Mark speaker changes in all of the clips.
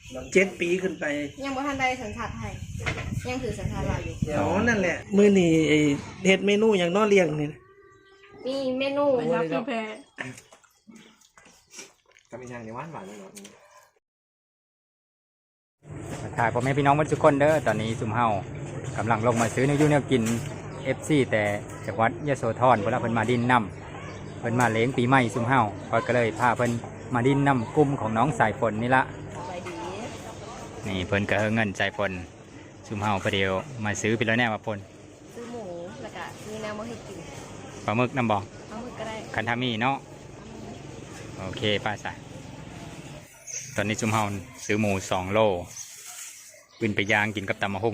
Speaker 1: 7 ปีขึ้นไป
Speaker 2: ยังบ่ทันได้สัญชาติไทยยังถือสัญชาติลาวอยู่
Speaker 1: อ๋อนั่นแหละมื้อนี้ไอ้เฮ็ดเมนูหยังน้อเลี้ยงนี่
Speaker 2: มีเมนู
Speaker 3: รับพี่แพร
Speaker 4: ก็มีอย่างในหวานเลยเนาะ
Speaker 5: ถ่ายพ่อแม่พี่น้องทุกคนเด้อตอนนี้ซุ่มเฮากำลังลงมาซื้อเนื้อยูเนื้อกิน FC แต่จังหวัดยโสธรเวลาเพิ่นมาดินน้ำเพิ่นมาเลี้ยงปีใหม่ซุ่มเฮาก็เลยพาเพิ่นมาดินน้ำกลุ่มของน้องสายฝนนี่ละนี่เพิ่นก็เงินสายฝนซุ่มเฮาประเดี๋ยวมาซื้อไปแล้วแน่ว่าฝน
Speaker 2: ซื้อหมูแล้วก็มีแนวมาให้กิน
Speaker 5: ปลาหมึกน้ำบ่
Speaker 2: ปลาหมึกก็ได้
Speaker 5: คันทามีเนาะโอเคป้าสายตอนนี้ซุ่มเฮาซื้อหมู2 โลขึ้นไปย่างกินกับตำมะฮุ่ง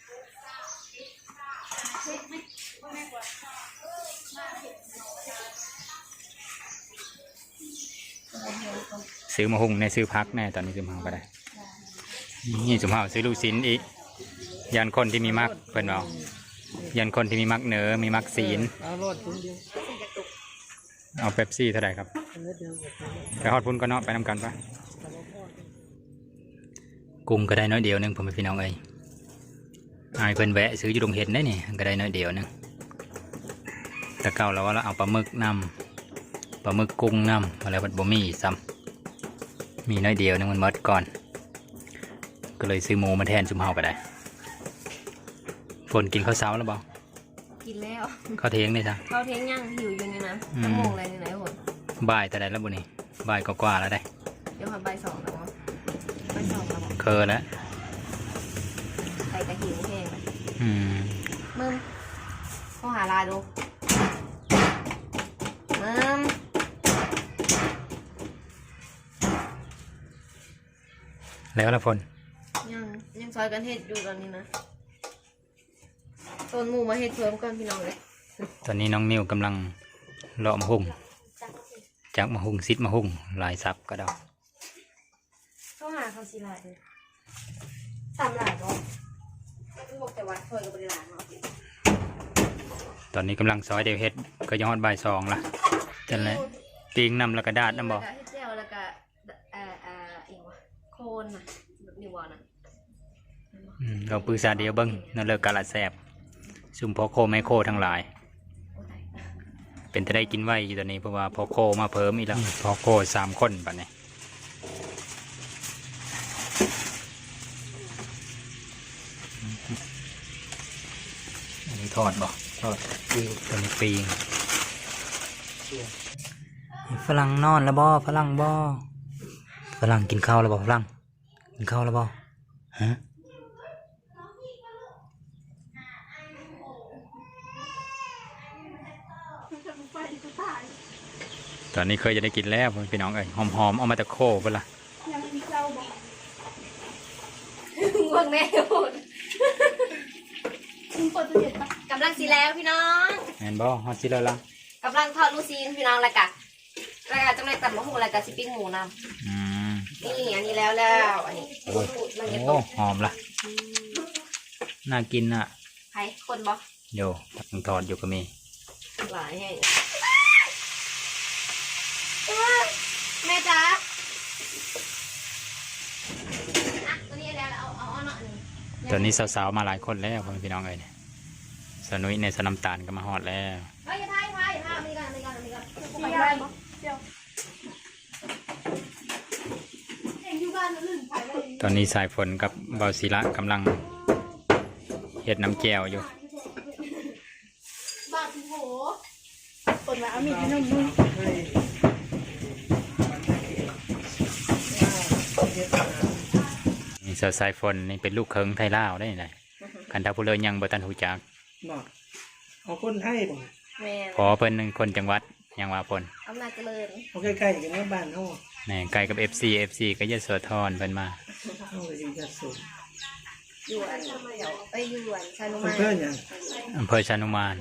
Speaker 5: ซื้อมะฮุ่งในซื้อพักแน่ตอนนี้ซุ่มเฮาก็ได้นี่ซุ่มเฮาซื้อลูกชิ้นอีกยันคนที่มีมักเพิ่นบอกยันคนที่มีมักเนื้อมีมักศีลเอาเป๊ปซี่เท่าไหร่ครับไปฮอดพุ่นก็เนาะไปนำกันปะกุ้งก็ได้น้อยเดียวนึงผมเป็นพี่น้องเอ้ยไอ้เพิ่นแวะซื้ออยู่โรงเห็ดได้นี่ก็ได้น้อยเดียวนึงแต่เก่าเราว่าเราเอาปลาหมึกนำปลาหมึกกุ้งนำอะไรบัดบ่มีซ้ำมีน้อยเดียวนึงมันหมดก่อนก็เลยซื้อหมูมาแทนซุ่มเฮาก็ได้ฝนกินข้าวเช้าแล้วบ่
Speaker 2: กินแล้ว
Speaker 5: ข้าวเที่ยงนี่จ้ะ
Speaker 2: ข้าวเที่ยงย่างหิวอยู่นี่นะจะโมงอะไรนี่ไหนหมด
Speaker 5: บ่ายแต่ใดแล้วบุนี่บ่ายกว่าแล้วได้
Speaker 2: เดี๋ยวมาบ่าย 2แล้วบ่าย 2แล้ว
Speaker 5: เคยแล้ว
Speaker 2: ไปกระหิวแห้งมึงเข้าหาลาดู
Speaker 5: แล้วละฝน
Speaker 2: ยังซอยกันเฮ็ดอยู่ตอนนี้นะต้นหมูมาเฮ็ดเพิ่มก่อนพี่น้องเลย
Speaker 5: ตอนนี้น้องนิวกำลังเลาะมะฮุ่งจากมะฮุ่งซิดมะฮุ่งลายซับก็ได้
Speaker 2: เข้าหาเขาสิลายเลยตามหลายบ่บอกแต่ว่าซอยกับบริลาเนาะ
Speaker 5: ตอนนี้กำลังซอยเดียวเฮ็ดก็ย้อนบ่าย 2ละจันเลยปีงนำแล้วก็ดาดน้ำบ่
Speaker 2: เจียวแล้วก็อีกวะโคนน่ะนิววอนะ
Speaker 5: เราปรึกษาเดียวเบิ้งนั่นเลิกกาลแสบซุ่มพอโคไมโคทั้งหลายเป็นจะได้กินไว้อยู่ตอนนี้เพราะว่าพอโคมาเพิ่มอีกแล้วพอโค3 คนปัจจุบันนี้ทอดบ่ทอดตอนนี้ปีงฝรั่งนอนแล้วบ่ฝรั่งบ่ฝรั่งกินข้าวแล้วบ่ฝรั่งกินข้าวแล้วบ่ฮะตอนนี้เคยจะได้กินแล้วพี่น้องเอ้ยหอมๆเอามาตะโคเวลา
Speaker 2: ยังมีเจ้าบ่ง่วงแน่หมดกำลังสีแล้วพี่น้อง
Speaker 5: แมนบ่ฮอตสิแล้วล่ะ
Speaker 2: กำลังทอดลูซีนพี่น้องแล้วกะจังไรตัดมะฮุ่งแล้วกะสิปิ้งหมูนำนี่อันนี้แล้วอันนี้
Speaker 5: โอ้หอมละน่ากินอ่ะ
Speaker 2: ใครคนบ่
Speaker 5: โยต้องทอดอยู่ก็มี
Speaker 2: หลายให้แม่จ๋าตัวนี้แล้วเอาหน่อย
Speaker 5: ตอนนี้สาวๆมาหลายคนแล้วพี่น้องเอ้ยสนุยในสน้ำตาลก็มาฮอดแล้วตอนนี้สายฝนกับเบาศิระกำลังเฮ็ดน้ำแก้วอยู่
Speaker 2: บ้าพี่โหฝนว่ามีขนมมือ
Speaker 5: นี่สายฝนนี่เป็นลูกเคิงไทยลาวได้ไงคันทัพผู้เลยยังบ่ตันหูจัก
Speaker 1: เอาคนไทยบ่
Speaker 5: พอเพิ่นคนจังหวัดยังว่าเพิ่น
Speaker 2: อำนาจเจริญ
Speaker 1: เอาใกล้ๆกันบ้านเฮา
Speaker 5: แน่ใกล้กับ FC ก็ยโสธรเพิ่นมา
Speaker 1: เฮาอยู่ยโส
Speaker 2: อยู่อันอยู่อันชานุมาน
Speaker 5: อำเภอชานุมาน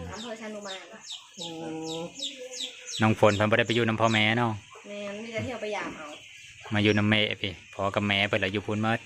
Speaker 5: น้องฝนเพิ่นบ่ได้ไปอยู่น้ำพ่อแม่เนาะ
Speaker 2: แม่มีแต่เที่ยวไปยามเอา
Speaker 5: มาอยู่น้ำแม่พี่พ่อกับแม่เพิ่นละอยู่พุ่นหมด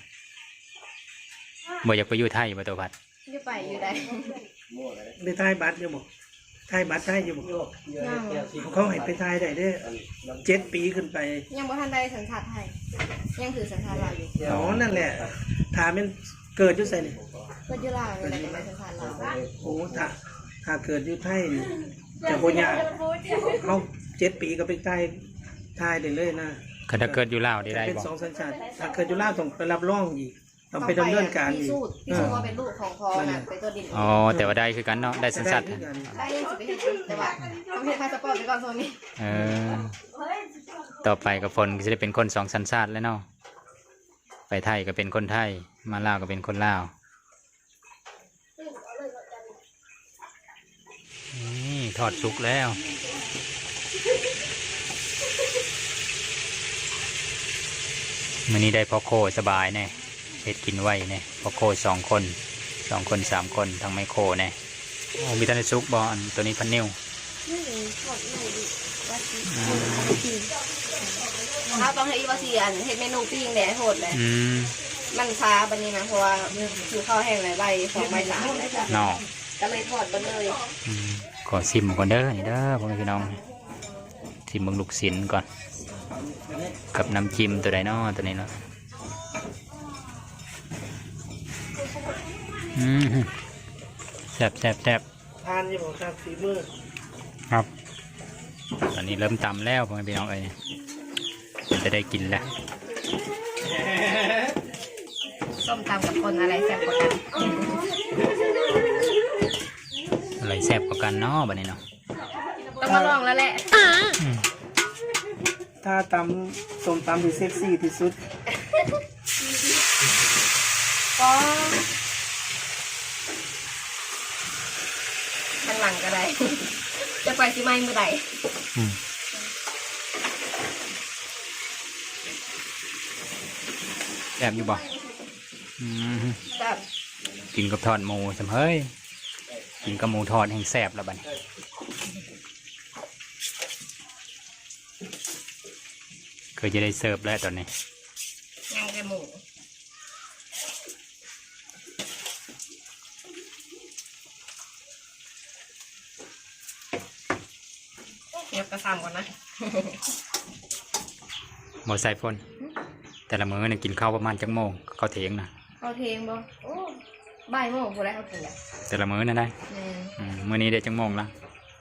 Speaker 5: บ่อยากไปอยู่ไทยบ่ตัวพัด
Speaker 2: อยู่ไปอยู่ได้
Speaker 1: ได้ทายบัตรอยู่บ่ทายบัตรทายอยู่บ่
Speaker 2: ยัง
Speaker 1: เขาให้ไปทายได้เด้อ7 ปีขึ้นไป
Speaker 2: ยังบ่ทันได้สัญชาติไทยยังถือสัญชาติลาวอยู่
Speaker 1: อ๋อนั่นแหละถามเป็นเกิดอยู่ไสนี่
Speaker 2: ก็อยู่ลาวเลยแต่ได้สัญชาติลาว
Speaker 1: โอ้ถ้าเกิดอยู่ไทยนี่จะบ่ยากเขา7 ปีก็ไปทายได้เลยนะ
Speaker 5: คันถ้าเกิดอยู่ลาวได้ได้
Speaker 1: เป็น
Speaker 5: บ่
Speaker 1: 2สัญชาติถ้าเกิดอยู่ลาวต้องไปรับรองอีกต้องไปดำเนินการ
Speaker 2: พิ
Speaker 1: อีก
Speaker 2: สูจน์ว่าเป็นลูกของพ่อน่ะเป็นตัวดิน
Speaker 5: อ๋อแต่ว่าได้คือกันเนาะได้สัญชาติ
Speaker 1: ได้คือกัน
Speaker 2: ได้ยังสิไปเฮ็ดอยู่แต่ว่าต้องเฮ็ดพาสปอร์ตไปก่อนโซนนี้
Speaker 5: เออต่อไปกับฝนก็จะได้เป็นคนสองสัญชาติแล้วเนาะไปไทยก็เป็นคนไทยมาลาวก็เป็นคนลาวนี่ทอดสุกแล้วมื้อนี้ได้พ่อโคสบายแน่เฮ็ดกินไว้แน่พ่อโค2 คน2 คน 3 คนทั้งไมโครแน่โอ้มีแต่ในซุกบ่อันตัวนี้พันนิ้ว
Speaker 2: ถ้าต้องให้อีวาซีอันเฮ็ดเมนูปิ้งแหน่โหดเลย
Speaker 5: อืม
Speaker 2: มันช้าบัดนี้นะเพราะว่าคือข้าวแห้งหลายใบ2 ใบ 3เลยจ้ะ
Speaker 5: นอก
Speaker 2: ก็เลยทอดบัดเลย
Speaker 5: ขอซิมก่อนเด้อนี่เด้อพ่อแม่พี่น้องซิมเบิ่งลูกศิลก่อนกับน้ำจิ้มตัวใดเนาะตัวนี้เนาะแซ่บแซ่บแซ่บ
Speaker 1: ทานอยู่บ่ครับฝีมือ
Speaker 5: ครับตอนนี้เริ่มตำแล้วพ่อแม่พี่น้องเอ้ยจะได้กินแล้ว
Speaker 2: ส้มตำกับคนอะไรแซ่บกว่ากัน
Speaker 5: อะไรแซ่บกว่ากันเนาะบัดนี้เนาะ
Speaker 2: ต้องมาลองแล้วแหละ
Speaker 1: ถ้าตำส้มตำที่เซ็กซี่ที่สุด
Speaker 2: ก็ข้างหลังก็ได้ จะไปสิไม่เมื่อใด
Speaker 5: แซ่บอยู่บ่
Speaker 2: แบบ
Speaker 5: กินกับทอดหมูสำเฮ้ยกินกับหมูทอดแห่งแซ่บแล้วบัดนี้เคยจะได้เสิร์ฟแล้วตอนนี้
Speaker 2: ย่างแต่หมูเก็บกระซำก่อนนะ
Speaker 5: หมดใส่ฝนแต่ละมื้อเนี่ยกินข้าวประมาณจักโมงข้าวเที่ยงนะ
Speaker 2: เขาเทงบ่โอ้บ่ายโมงผู้ใดเขากินอ่ะ
Speaker 5: แต่ละมื้อนั่นได้ มื้อนี้ได้จักโมงละ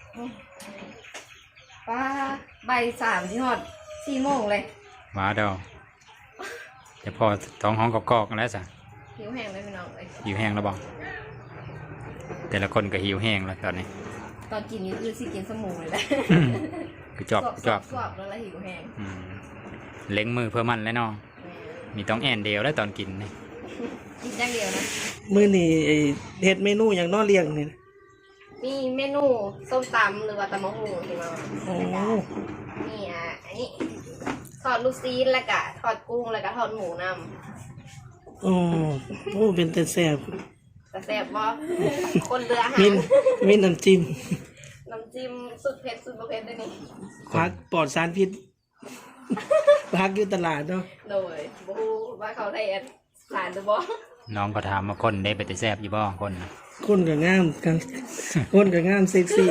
Speaker 2: ป้าบ่าย3ที่ฮอด4 โมงเลย
Speaker 5: ว้าเดอจะพอท้องห้องกอกๆแล้วจ้ะ
Speaker 2: หิวแห้งเลยพี่น้องเลย
Speaker 5: หิวแห้งแล้วบ่แต่ละคนก็หิวแห้งแล้วตอนนี้
Speaker 2: ตอนกินนี่คือสิกินสมูเลยแหละ
Speaker 5: คือจอบจอบ
Speaker 2: สวบแล้วละหิวแห้ง
Speaker 5: เล้งมือเพื่อมันแล้วเนาะมีต้องแอนเดียวแล้วตอนกินนี่
Speaker 2: กินอย่างเดียวนะ
Speaker 1: มื้อนี้ไอ้เฮ็ดเมนูหยังน้อเลี้ยงนี่นะ
Speaker 2: มีเมนูส้มตำหรือว่าตำมะฮูที่มา
Speaker 1: โอ้
Speaker 2: นี่อันนี้ทอดลูกซีนแล้วก็ทอดกุ้งแล้วก็ทอดหมูน
Speaker 1: โอ้โอ้เป็นแต่แซ่บ
Speaker 2: ำแต่แซ่บบ่คนเรืออาหาร
Speaker 1: มีน้ำจิ้ม
Speaker 2: น้ำจิ้มสุดเผ็ดสุดบ่เผ็ดด้วยนี่
Speaker 1: ผักปลอดสารพิษผักอยู่ตลาดเนาะ
Speaker 2: โดยบ่ฮู้ว่าเขาได้อันสารหรือบ่
Speaker 5: น้องก็ถามมาคนได้ไปแต่แซบอยู่บ่คนน่ะ
Speaker 1: คนก็งามกันคนก็งามเซ็กซี่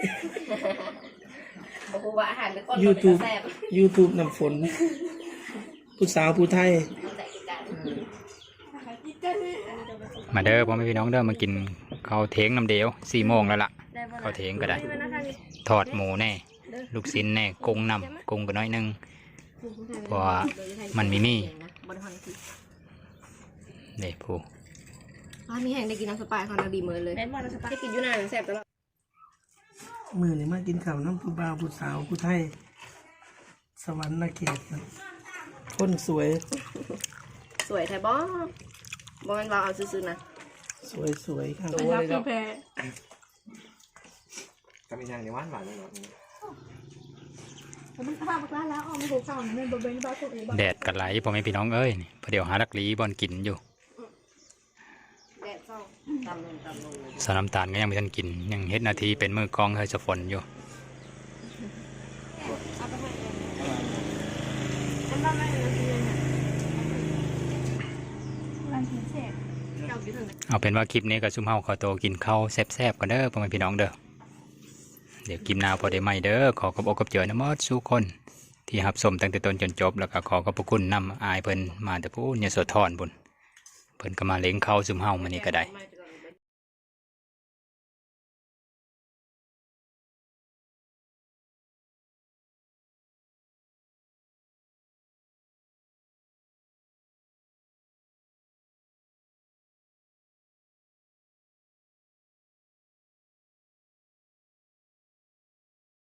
Speaker 2: บ่ฮู้ว่าอาหารหรือคน
Speaker 1: YouTube
Speaker 2: แซ่บ
Speaker 1: YouTube น้ำฝน ผู้สาวผู้ไทย
Speaker 2: แต่อีกกัน
Speaker 5: มาเด้อพ่อแม่พี่น้องเด้อมากินข้าวเทงน้ำเดียว4 โมงแล้วล่ะข้าวเทงก็ได้ ทอดหมูแน่ลูกชิ้นแน่กุ้งนำกุ้งก็น้อยหนึงเพราะว่ามันมีมี่เด้ผู้
Speaker 2: มีแห้งได้กินน้ำสปายเขาน่าดีเหมือนเลยได้กินอยู่นานแซ่บตลอด
Speaker 1: มื้อนี้มากินข้าวน้ำผู้บ่าวผู้สาวผู้ไทย สวรรค์เขตครับคนสวย
Speaker 2: สวยแท้บ่บ่แม่นว่าเอาซื่อๆนะ
Speaker 1: สวยครับ
Speaker 4: ก็มีอย่างในหวานหวานเลยเนาะ
Speaker 5: แดดกันไหลพ่อแม่พี่น้องเอ้ยนี่พอเดี๋ยวหาลักลีบอลกินอยู่
Speaker 2: แดดส่องตำลง
Speaker 5: สาวน้ำตาลก็ยังไม่ทันกินยังเฮ็ดนาทีเป็นมือกองเฮ้ยจะฝนอยู่เอาเป็นว่าคลิปนี้ก็ซุ่มเฮาขอตัวกินข้าวแซ่บๆกันเด้อพ่อแม่พี่น้องเด้อเดี๋ยวกินนาวพอได้ไหมเด้อขอขอบอกกับเจอนะมอดสู้คนที่รับชมตั้งแต่ต้นจนจบแล้วก็ขอขอบพระคุณนำอายเพิ่นมาแต่พูดเนี่ยสดทอนบุญเพิ่นก็มาเลี้ยงเข้าซุมเฮามานี่ก็ได้
Speaker 2: มา